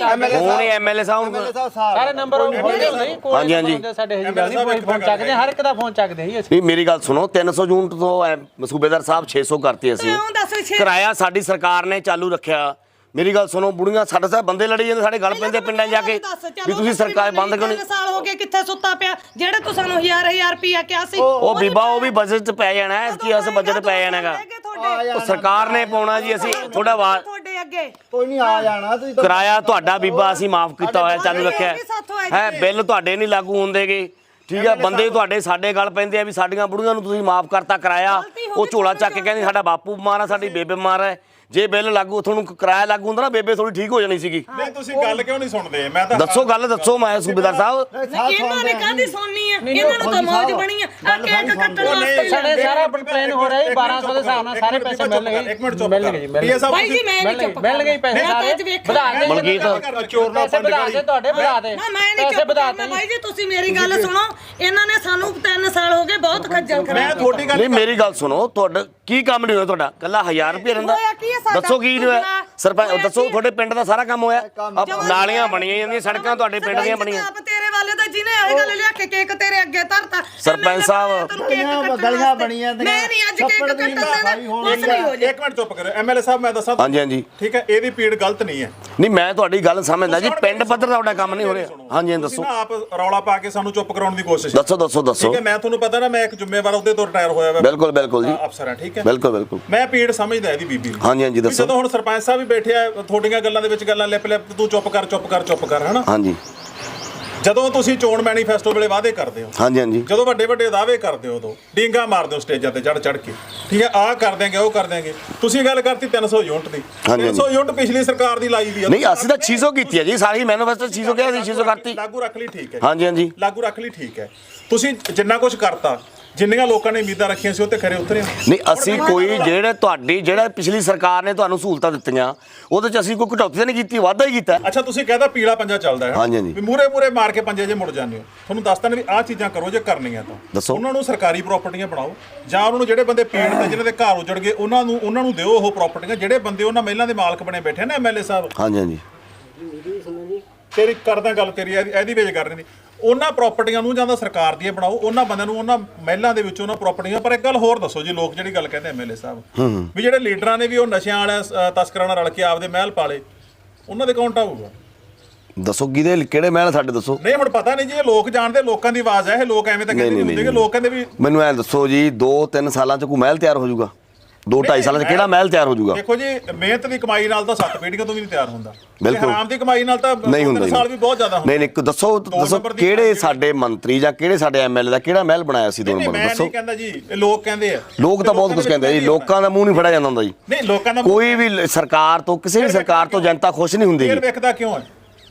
Speaker 1: ਫੋਨ ਹੀ ਐਮਐਲਏ ਸਾਹਿਬ ਨੂੰ
Speaker 8: ਸਾਰੇ ਨੰਬਰ ਹੁੰਦੇ ਨਹੀਂ ਕੋਲ।
Speaker 1: ਹਾਂਜੀ ਹਾਂਜੀ
Speaker 8: ਸਾਡੇ ਹੀ ਗੱਲ ਨਹੀਂ, ਕੋਈ ਫੋਨ ਚੱਕਦੇ ਹਰ ਇੱਕ ਦਾ ਫੋਨ ਚੱਕਦੇ ਹੀ ਅਸੀਂ।
Speaker 1: ਨਹੀਂ ਮੇਰੀ ਗੱਲ ਸੁਣੋ, ਤਿੰਨ ਸੌ ਯੂਨਿਟ ਤੋਂ ਐ- ਸੂਬੇਦਾਰ ਸਾਹਿਬ ਛੇ ਸੌ ਕਰਤੀ ਅਸੀਂ।
Speaker 2: ਕਿਉਂ ਦੱਸ ਛੇ-
Speaker 1: ਕਿਰਾਇਆ ਸਾਡੀ ਸਰਕਾਰ ਨੇ ਚਾਲੂ ਰੱਖਿਆ। ਮੇਰੀ ਗੱਲ ਸੁਣੋ, ਬੁੜੀਆਂ ਸਾਡੇ ਸਾਹਿਬ ਬੰਦੇ ਲੜੀ ਜਾਂਦੇ, ਸਾਡੇ ਗੱਲ ਪੈਂਦੇ ਪਿੰਡਾਂ ਜਾ ਕੇ ਵੀ ਤੁਸੀਂ ਸਰਕਾਰ ਬੰਦ ਕਿਉਂ ਨਹੀਂ?
Speaker 2: ਸਾਲ ਹੋ ਗਏ ਕਿੱਥੇ ਸੁੱਤਾ ਪਿਆ ਜਿਹੜੇ ਤੂੰ ਸਾਨੂੰ ਹਜ਼ਾਰ ਹਜ਼ਾਰ ਰੁਪਇਆ ਕਿਹਾ ਸੀ।
Speaker 1: ਉਹ ਬੀਬਾ ਉਹ ਵੀ ਬਜਟ 'ਚ ਪੈ ਜਾਣਾ ਹੈ, ਕੀ ਅਸ ਬਜਟ ਪੈ ਜਾਣਾਗਾ। ਉਹ ਸਰਕਾਰ ਨੇ ਪਾਉਣਾ ਜੀ, ਅਸੀਂ ਥੋੜਾ ਵਾ
Speaker 2: ਤੁਹਾਡੇ ਅੱਗੇ
Speaker 6: ਕੋਈ ਨਹੀਂ ਆ ਜਾਣਾ ਤੁਸੀਂ ਤਾਂ।
Speaker 1: ਕਿਰਾਇਆ ਤੁਹਾਡਾ ਬੀਬਾ ਅਸੀਂ ਮਾਫ ਕੀਤਾ ਹੋਇਆ, ਚਾਲੂ ਰੱਖਿਆ ਹੈ। ਬਿੱਲ ਤੁਹਾਡੇ ਨਹੀਂ ਲਾਗੂ ਹੁੰਦੇਗੇ, ਠੀਕ ਹੈ। ਬੰਦੇ ਤੁਹਾਡੇ ਸਾਡੇ ਗੱਲ ਪੈਂਦੇ ਆ ਵੀ ਸਾਡੀਆਂ ਬੁੜੀਆਂ ਨੂੰ ਤੁਸੀਂ ਮਾਫ ਕਰਤਾ ਕਿਰਾਇਆ। ਉਹ ਝੋਲਾ ਚੱਕ ਕੇ ਕਹਿੰਦੇ ਸਾਡਾ ਬਾਪੂ ਬਿਮਾਰ ਆ, ਸਾਡੀ ਬੇਬੇ ਬਿਮਾਰ ਹੈ। ਜੇ ਬਿੱਲ ਲਾਗੂ ਤੁਹਾਨੂੰ ਕਿਰਾਇਆ ਲਾਗੂ ਹੁੰਦਾ ਨਾ, ਬੇਬੇ ਥੋੜੀ ਠੀਕ ਹੋ ਜਾਣੀ ਸੀਗੀ।
Speaker 3: ਨਹੀਂ ਤੁਸੀਂ ਗੱਲ ਕਿਉਂ ਨਹੀਂ ਸੁਣਦੇ? ਮੈਂ ਤਾਂ
Speaker 1: ਦੱਸੋ ਗੱਲ ਦੱਸੋ ਮੈਂ ਸੂਬੇਦਾਰ ਸਾਹਿਬ।
Speaker 2: ਇਹਨਾਂ ਨੇ ਕਾਹਦੀ ਸੁਣਨੀ ਆ? ਇਹਨਾਂ ਨੂੰ ਤਾਂ ਮੌਜ ਬਣੀ ਆ ਆ ਕੇਕ ਕੱਟਣ ਵਾਸਤੇ।
Speaker 8: ਸਾਡੇ ਸਾਰਾ ਪਲਾਨ ਹੋ ਰਿਹਾ ਜੀ ਬਾਰਾਂ ਸੌ ਦੇ ਹਿਸਾਬ ਨਾਲ ਸਾਰੇ ਪੈਸੇ ਮਿਲਣਗੇ।
Speaker 3: ਇੱਕ ਮਿੰਟ ਚੁੱਪ
Speaker 8: ਮਿਲਣਗੇ ਜੀ,
Speaker 3: ਕਰ ਪੀਏ ਸਾਹਿਬ।
Speaker 2: ਬਾਈ ਜੀ ਮੈਂ ਨਹੀਂ ਚੁੱਪ
Speaker 8: ਮਿਲ ਗਏ ਪੈਸੇ ਸਾਰੇ ਵਧਾ ਦੇ।
Speaker 1: ਮਲਕੀਤ
Speaker 3: ਚੋਰ ਨਾਲ
Speaker 8: ਪੈਸੇ ਵਧਾ ਦੇ ਤੁਹਾਡੇ ਵਧਾ ਦੇ।
Speaker 2: ਨਾ ਮੈਂ ਨਹੀਂ
Speaker 8: ਪੈਸੇ
Speaker 2: ਚੁੱਪ
Speaker 8: ਵਧਾ
Speaker 2: ਕਰਨਾ
Speaker 8: ਦੇ।
Speaker 2: ਬਾਈ ਜੀ, ਤੁਸੀਂ ਮੇਰੀ ਗੱਲ ਸੁਣੋ। ਇਹਨਾਂ ਨੇ ਸਾਨੂੰ ਤਿੰਨ ਸਾਲ ਹੋ ਗਏ ਬਹੁਤ ਖੱਜਲ
Speaker 3: ਮੈਂ
Speaker 2: ਕਰਾਇਆ।
Speaker 3: ਤੁਹਾਡੀ ਗੱਲ
Speaker 1: ਨਹੀਂ ਮੇਰੀ ਗੱਲ ਸੁਣੋ, ਤੁਹਾਡਾ ਕੀ ਕੰਮ ਨਹੀਂ ਹੋਇਆ? ਤੁਹਾਡਾ ਕੱਲਾ ਹਜ਼ਾਰ ਰੁਪਏ ਰਹਿੰਦਾ।
Speaker 2: ਹੋਇਆ ਕੀ ਹੈ ਸਾਡਾ?
Speaker 1: ਦੱਸੋ ਕੀ ਨਹੀਂ ਹੋਇਆ? ਸਰਪੰਚ
Speaker 2: ਹੋਇਆ
Speaker 1: ਦੱਸੋ,
Speaker 2: ਕੀ?
Speaker 1: ਤੁਹਾਡੇ ਪਿੰਡ ਦਾ ਸਾਰਾ ਕੰਮ ਹੋਇਆ। ਆਹ ਨਾਲੀਆਂ ਬਣੀਆਂ ਜਾਂਦੀਆਂ, ਸੜਕਾਂ ਤੁਹਾਡੇ ਪਿੰਡ ਦੀਆਂ ਬਣੀਆਂ।
Speaker 2: ਆਪ ਤੇਰੇ ਵਾਲੇ ਦਾ ਜਿਹਨੇ ਇਹ ਗੱਲ ਲਿਆ ਕੇ ਕੇਕ ਤੇਰੇ ਅੱਗੇ ਧਰਤਾ।
Speaker 1: ਸਰਪੰਚ ਸਾਹਿਬ
Speaker 6: ਗਲੀਆਂ ਬਣੀਆਂ
Speaker 2: ਮੈਂ ਨਹੀਂ ਅੱਜ ਕੇਕ ਕੱਟਣ ਦੇਣਾ। ਕੁਛ ਨਹੀਂ ਹੋ ਜਾ।
Speaker 3: ਇੱਕ ਮਿੰਟ ਚੁੱਪ ਕਰੋ। ਐਮਐਲਏ ਸਾਹਿਬ ਮੈਂ ਦੱਸਾਂ
Speaker 1: ਹਾਂਜੀ ਹਾਂਜੀ
Speaker 3: ਠੀਕ ਹੈ, ਇਹਦੀ ਪੀੜ ਗਲਤ ਨਹੀਂ ਹੈ।
Speaker 1: ਨਹੀਂ ਮੈਂ ਤੁਹਾਡੀ ਗੱਲ ਸਮਝਦਾ ਜੀ, ਪਿੰਡ ਪੱਧਰ ਦਾ ਤੁਹਾਡਾ ਕੰਮ ਨਹੀਂ ਹੋ ਰਿਹਾ। ਹਾਂਜੀ ਹਾਂਜੀ
Speaker 3: ਤੁਸੀਂ
Speaker 1: ਦੱਸੋ
Speaker 3: ਨਾ ਆਪ ਰੌਲਾ ਪਾ ਕੇ ਸਾਨੂੰ ਚੁੱਪ ਕਰਾਉਣ ਦੀ ਕੋਸ਼ਿਸ਼।
Speaker 1: ਦੱਸੋ ਦੱਸੋ ਦੱਸੋ।
Speaker 3: ਠੀਕ ਹੈ, ਮੈਂ ਤੁਹਾਨੂੰ ਪਤਾ ਨਾ ਮੈਂ ਇੱਕ ਜ਼ਿੰਮੇਵਾਰ ਅਹੁਦੇ ਤੋਂ ਰਿਟਾਇਰ ਹੋਇਆ ਵਾ।
Speaker 1: ਬਿਲਕੁਲ ਬਿਲਕੁਲ ਜੀ,
Speaker 3: ਅਫਸਰ ਹਾਂ, ਠੀਕ ਹੈ।
Speaker 1: ਬਿਲਕੁਲ ਬਿਲਕੁਲ।
Speaker 3: ਮੈਂ ਪੀੜ ਸਮਝਦਾ ਇਹਦੀ ਬੀਬੀ ਦੀ।
Speaker 1: ਹਾਂਜੀ ਹਾਂਜੀ
Speaker 3: ਵੀ
Speaker 1: ਦੱਸੋ।
Speaker 3: ਜਦੋਂ ਹੁਣ ਸਰਪੰਚ ਸਾਹਿਬ ਵੀ ਬੈਠੇ ਆ, ਤੁਹਾਡੀਆਂ ਗੱਲਾਂ ਦੇ ਵਿੱਚ ਗੱਲਾਂ ਲਿਪ ਲਿਪ ਤੂੰ ਚੁੱਪ ਕਰ ਚੁੱਪ ਕਰ ਚੁੱਪ ਕਰ, ਹਨਾ।
Speaker 1: ਹਾਂਜੀ
Speaker 3: ਜਦੋਂ ਤੁਸੀਂ ਚੋਣ ਮੈਨੀਫੈਸਟੋ ਵੇਲੇ ਵਾਅਦੇ ਕਰਦੇ ਹੋ,
Speaker 1: ਹਾਂਜੀ ਹਾਂਜੀ
Speaker 3: ਜਦੋਂ ਵੱਡੇ ਵੱਡੇ ਦਾਅਵੇ ਕਰਦੇ ਹੋ, ਉਦੋਂ ਡੀਂਗਾ ਮਾਰਦੇ ਹੋ ਸਟੇਜਾਂ ਤੇ ਚੜ ਚੜ ਕੇ, ਠੀਕ ਹੈ। ਆਹ ਕਰ ਦਿਆਂਗੇ ਉਹ ਕਰ ਦਿਆਂਗੇ। ਤੁਸੀਂ ਗੱਲ ਕਰਤੀ ਤਿੰਨ ਸੌ ਯੂਨਿਟ ਦੀ।
Speaker 1: ਹਾਂਜੀ।
Speaker 3: ਤਿੰਨ ਸੌ ਯੂਨਿਟ ਪਿਛਲੀ ਸਰਕਾਰ ਦੀ ਲਾਈ ਦੀ ਆ।
Speaker 1: ਨਹੀਂ ਅਸੀਂ ਤਾਂ ਛੇ ਸੌ ਕੀਤੀ ਹੈ ਜੀ, ਸਾਰੀ ਮੈਨੀਫੈਸਟੋ ਛੇ ਸੌ ਕਿਹਾ ਸੀ, ਛੇ ਸੌ ਕਰਤੀ।
Speaker 3: ਲਾਗੂ ਰੱਖ ਲਈ, ਠੀਕ ਹੈ।
Speaker 1: ਹਾਂਜੀ ਹਾਂਜੀ
Speaker 3: ਲਾਗੂ ਰੱਖ ਲਈ, ਠੀਕ ਹੈ। ਤੁਸੀਂ ਜਿੰਨਾ ਕੁਝ ਕਰਤਾ, ਜਿੰਨੀਆਂ ਲੋਕਾਂ ਨੇ ਉਮੀਦਾਂ ਰੱਖੀਆਂ ਸੀ ਉਹ ਤੇ ਖਰੇ ਉਤਰੇ ਹੋ।
Speaker 1: ਨਹੀਂ ਅਸੀਂ ਕੋਈ ਜਿਹੜੇ ਤੁਹਾਡੀ ਜਿਹੜਾ ਪਿਛਲੀ ਸਰਕਾਰ ਨੇ ਤੁਹਾਨੂੰ ਸਹੂਲਤਾਂ ਦਿੱਤੀਆਂ ਉਹਦੇ ਚ ਅਸੀਂ ਕੋਈ ਘਟੌਤੀ ਤਾਂ ਨਹੀਂ ਕੀਤੀ, ਵਾਧਾ ਹੀ ਕੀਤਾ।
Speaker 3: ਅੱਛਾ ਤੁਸੀਂ ਕਹਿੰਦਾ ਪੀਲਾ ਪੰਜਾ ਚੱਲਦਾ ਹੈ,
Speaker 1: ਹਾਂਜੀ, ਹਾਂਜੀ।
Speaker 3: ਵੀ ਮੂਰੇ ਮੂਰੇ ਮਾਰ ਕੇ ਪੰਜੇ ਜੇ ਮੁੜ ਜਾਂਦੇ ਹੋ। ਤੁਹਾਨੂੰ ਦੱਸਦਾ ਨੇ ਵੀ ਆਹ ਚੀਜ਼ਾਂ ਕਰੋ ਜੇ ਕਰਨੀਆਂ ਤਾਂ।
Speaker 1: ਦੱਸੋ।
Speaker 3: ਉਹਨਾਂ ਨੂੰ ਸਰਕਾਰੀ ਪ੍ਰਾਪਰਟੀਆਂ ਬਣਾਓ, ਜਾਂ ਉਹਨਾਂ ਨੂੰ ਜਿਹੜੇ ਬੰਦੇ ਪੀੜ ਤੇ ਜਿਹਨਾਂ ਦੇ ਘਰ ਉਜੜ ਗਏ ਉਹਨਾਂ ਨੂੰ ਉਹਨਾਂ ਨੂੰ ਦਿਓ ਉਹ ਪ੍ਰਾਪਰਟੀਆਂ। ਜਿਹੜੇ ਬੰਦੇ ਉਹਨਾਂ ਮਹਿਲਾਂ ਦੇ ਮਾਲਕ ਬਣੇ ਬੈਠੇ ਨੇ ਐਮਐਲਏ ਸਾਹਿਬ,
Speaker 1: ਹਾਂਜੀ ਹਾਂਜੀ
Speaker 3: ਤੇਰੀ ਕਰਦਾ ਗੱਲ ਤੇਰੀ ਇਹਦੀ ਇਹਦੀ ਵੇਜ ਕਰ ਰਹੇ ਨੇ, ਉਹਨਾਂ ਪ੍ਰਾਪਰਟੀਆਂ ਨੂੰ ਜਾਂ ਤਾਂ ਸਰਕਾਰ ਦੀਆਂ ਬਣਾਓ, ਉਹਨਾਂ ਬੰਦਿਆਂ ਨੂੰ ਉਹਨਾਂ ਮਹਿਲਾਂ ਦੇ ਵਿੱਚ ਉਹਨਾਂ ਪ੍ਰਾਪਰਟੀਆਂ। ਪਰ ਇੱਕ ਗੱਲ ਹੋਰ ਦੱਸੋ ਜੀ, ਲੋਕ ਜਿਹੜੀ ਗੱਲ ਕਹਿੰਦੇ ਐਮਐਲਏ ਸਾਹਿਬ ਵੀ ਜਿਹੜੇ ਲੀਡਰਾਂ ਨੇ ਵੀ ਉਹ ਨਸ਼ਿਆਂ ਵਾਲਿਆਂ ਤਸਕਰਾਂ ਨਾਲ ਰਲ ਕੇ ਆਪਦੇ ਮਹਿਲ ਪਾਲੇ, ਉਹਨਾਂ ਦੇ ਕੌਣ ਢਾਊਗਾ?
Speaker 1: ਦੱਸੋ ਕਿਹਦੇ ਕਿਹੜੇ ਮਹਿਲ ਸਾਡੇ ਦੱਸੋ।
Speaker 3: ਨਹੀਂ ਹੁਣ ਪਤਾ ਨਹੀਂ ਜੀ, ਇਹ ਲੋਕ ਜਾਣਦੇ, ਲੋਕਾਂ ਦੀ ਆਵਾਜ਼ ਹੈ ਇਹ। ਲੋਕ ਐਵੇਂ ਤਾਂ ਕਹਿੰਦੇ ਨਹੀਂ ਹੁੰਦੇ ਕਿ ਲੋਕ ਕਹਿੰਦੇ ਵੀ।
Speaker 1: ਮੈਨੂੰ ਐ ਦੱਸੋ ਜੀ, ਦੋ ਤਿੰਨ ਸਾਲਾਂ ਚ ਕੋਈ ਮਹਿਲ ਤਿਆਰ ਹੋ ਜਾਊਗਾ? ਦੋ ਢਾਈ ਸਾਲਾਂ ਚ ਕਿਹੜਾ ਮਹਿਲ ਤਿਆਰ ਹੋ ਜਾਊਗਾ?
Speaker 3: ਦੇਖੋ ਜੀ, ਮਿਹਨਤ ਦੀ ਕਮਾਈ ਨਾਲ ਤਾਂ ਸੱਤ ਪੀੜ੍ਹੀਆਂ ਤੋਂ ਵੀ ਨਹੀਂ ਤਿਆਰ ਹੁੰਦਾ।
Speaker 1: ਬਿਲਕੁਲ।
Speaker 3: ਹਰਾਮ ਦੀ ਕਮਾਈ ਨਾਲ ਤਾਂ
Speaker 1: ਨਹੀਂ ਹੁੰਦਾ
Speaker 3: ਤਿੰਨ ਸਾਲ ਵੀ ਬਹੁਤ ਜ਼ਿਆਦਾ ਹੁੰਦਾ।
Speaker 1: ਨਹੀਂ ਨਹੀਂ ਦੱਸੋ ਦੱਸੋ ਕਿਹੜੇ ਸਾਡੇ ਮੰਤਰੀ ਜਾਂ ਕਿਹੜੇ ਸਾਡੇ ਐਮਐਲਏ ਦਾ ਕਿਹੜਾ ਮਹਿਲ ਬਣਾਇਆ ਸੀ ਦੋ ਨੰਬਰ
Speaker 3: ਮੈਂ
Speaker 1: ਦੱਸੋ।
Speaker 3: ਨਹੀਂ ਕਹਿੰਦਾ ਜੀ, ਇਹ ਲੋਕ ਕਹਿੰਦੇ ਆ।
Speaker 1: ਲੋਕ ਤਾਂ ਬਹੁਤ ਕੁਝ ਕਹਿੰਦੇ ਜੀ, ਲੋਕਾਂ ਦਾ ਮੂੰਹ ਨਹੀਂ ਫੜਿਆ ਜਾਂਦਾ ਹੁੰਦਾ ਜੀ।
Speaker 3: ਨਹੀਂ ਲੋਕਾਂ ਦਾ
Speaker 1: ਕੋਈ ਵੀ ਸਰਕਾਰ ਤੋਂ, ਕਿਸੇ ਵੀ ਸਰਕਾਰ ਤੋਂ ਜਨਤਾ ਖੁਸ਼ ਨਹੀਂ ਹੁੰਦੀ
Speaker 3: ਫੇਰ
Speaker 1: ਜੀ।
Speaker 3: ਵੇਖਦਾ ਕਿਉਂ ਹੈ?